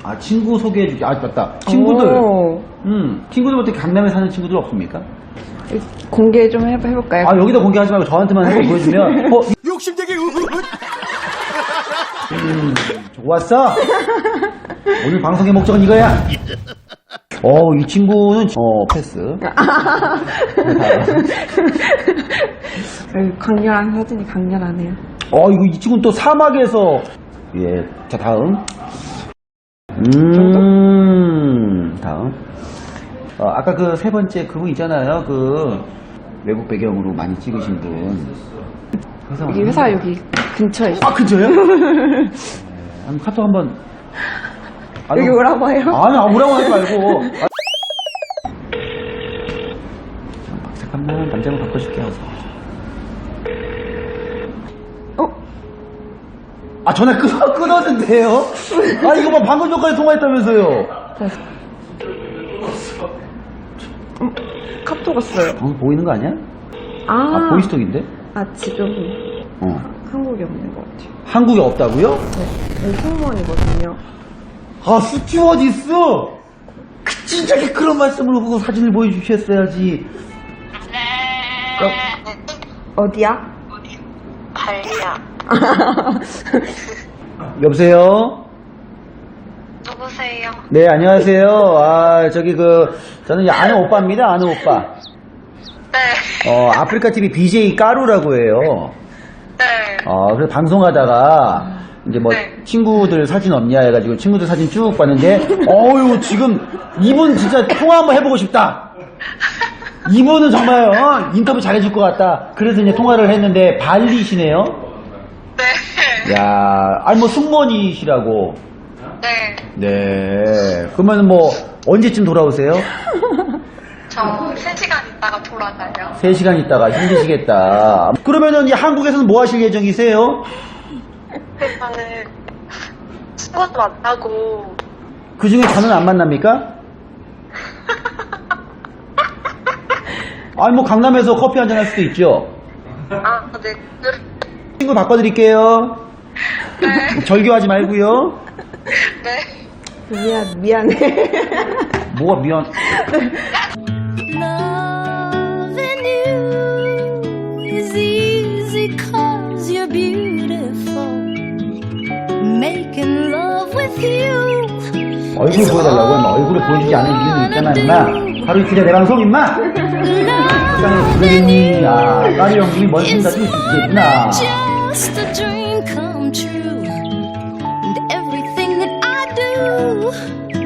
아, 친구 소개해줄게. 아, 맞다. 친구들. 오. 친구들 어떻게 강남에 사는 친구들 없습니까? 공개 좀 해볼까요? 아, 여기다 공개하지 말고 저한테만 한번 보여주면. 욕심되게 좋았어. 오늘 방송의 목적은 이거야. 이 친구는, 패스. 강렬한 사진이 강렬하네요. 이 친구는 또 사막에서, 예, 자, 다음. 다음. 아까 그 세 번째 그분 있잖아요. 그, 외국 배경으로 많이 찍으신 분. 여기 회사 여기 근처에 있어요. 아, 근처요? 한번 카톡 한번. 여기 오라고 해요? 아니, 오라고 하지 말고. 잠깐만, 남자분 바꿔줄게요. 전화 끊었는데요? 이거 봐, 방금 전까지 통화했다면서요? 카톡 왔어요. 보이는 거 아니야? 보이스톡인데? 지금 한국에 없는 것 같아요. 한국에 없다고요? 네, 승무원이거든요. 스튜어디스? 진짜 그런 말씀을 하고 사진을 보여주셨어야지. 어디야? 발리야. 여보세요? 누구세요? 네, 안녕하세요. 저는 아는 오빠입니다, 아는 오빠. 네. 아프리카 TV BJ 까루라고 해요. 네. 그래서 방송하다가, 이제 네. 친구들 사진 없냐 해가지고 친구들 사진 쭉 봤는데, 지금, 이분 진짜 통화 한번 해보고 싶다. 이분은 정말, 인터뷰 잘해줄 것 같다. 그래서 이제 통화를 했는데, 발리시네요? 네. 야, 승무원이시라고. 네. 네. 그러면 언제쯤 돌아오세요? 저 3시간 있다가 돌아가요. 3시간 있다가 힘드시겠다. 그러면은 한국에서는 뭐 하실 예정이세요? 일단은 친구도 만나고. 그 중에 저는 안 만납니까? 강남에서 커피 한잔 할 수도 있죠? 네. 친구 바꿔드릴게요. 네. 절교하지 말고요. 네. 미안해. 뭐가 미안. Loving you is easy 'cause you're beautiful. Making love with you. 얼굴 보여달라고 하면 얼굴을 보여주지 않은 이유는 있잖아, 임마. 하루 이틀에 내 방송, 임마. 세상에 그러니, 까리 형님이 멋진 다 뛸 수 있겠구나. Just a dream come true. And everything that I do